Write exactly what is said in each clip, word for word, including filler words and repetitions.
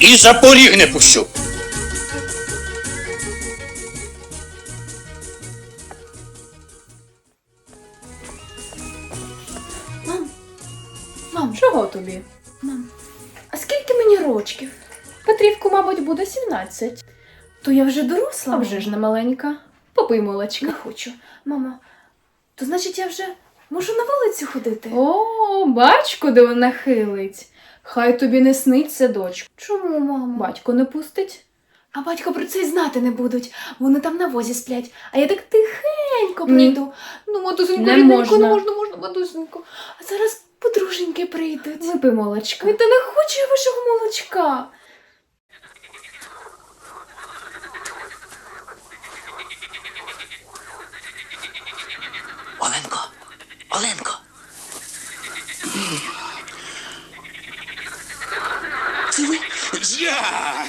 І за поріг не пущу. Мам, мам, чого тобі? Мам, а скільки мені рочків? Петрівку, мабуть, буде сімнадцять. То я вже доросла? А вже ж не маленька. Попий молочка. Не хочу. Мамо, то значить я вже можу на вулицю ходити? О, бач, куди вона хилить. Хай тобі не сниться, дочко. Чому, мамо? Батько не пустить. А батько про це й знати не будуть. Вони там на возі сплять, а я так тихенько прийду. Ну, матусенько, Не рідненько, можна. не можна, можна, матусенько. А зараз подруженьки прийдуть. Випий молочка. Та не хочу я вашого молочка. Оленко, Оленко. Це ви? Я!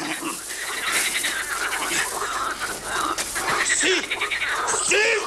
Си! Си!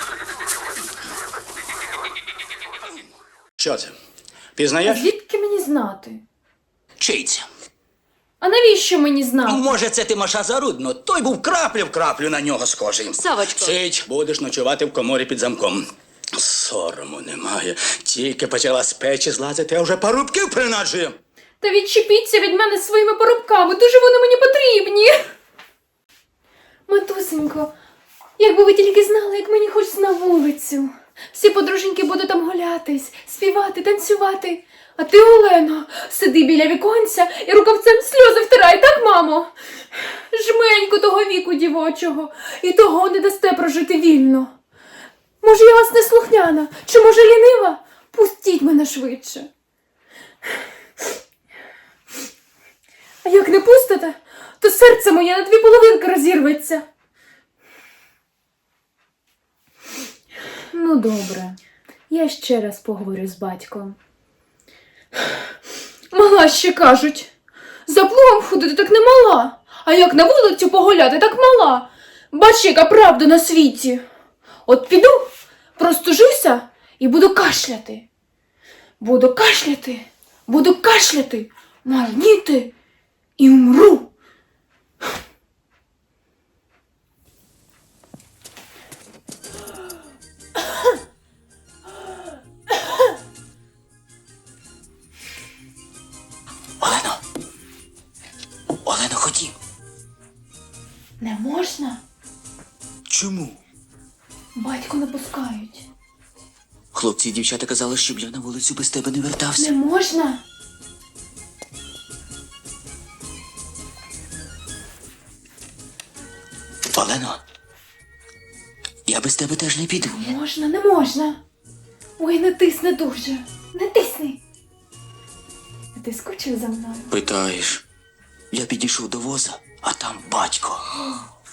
Що це? Пізнаєш? Звідки мені знати? Чий це? А навіщо мені знати? Може, це ти Маша Зарудно? Той був краплю в краплю на нього схожий. Савочко. Сидь, будеш ночувати в коморі під замком. Сорому немає. Тільки почала з печі злазити, а вже парубків принаджує. Та відчепіться від мене своїми порубками, дуже вони мені потрібні. Матусенько, якби ви тільки знали, як мені хочеться на вулицю. Всі подруженьки будуть там гулятись, співати, танцювати. А ти, Олено, сиди біля віконця і рукавцем сльози втирай, так, мамо? Жменьку того віку дівочого, і того не дасте прожити вільно. Може, я вас не слухняна, чи може лінива? Пустіть мене швидше. А як не пустите, то серце моє на дві половинки розірветься. Ну, добре. Я ще раз поговорю з батьком. Мала ще кажуть. За плугом ходити так не мала. А як на вулицю погуляти, так мала. Бач, яка правда на світі. От піду, простужуся і буду кашляти. Буду кашляти, буду кашляти, марніти і умру. Олено! Олено, ходім. Не можна? Чому? Батько не пускають. Хлопці і дівчата казали, щоб я на вулицю без тебе не вертався. Не можна? Олено, я без тебе теж не піду. Можна, не можна. Ой, не тисни дуже. Не тисни. Ти скучив за мною? Питаєш, я підійшов до воза, а там батько.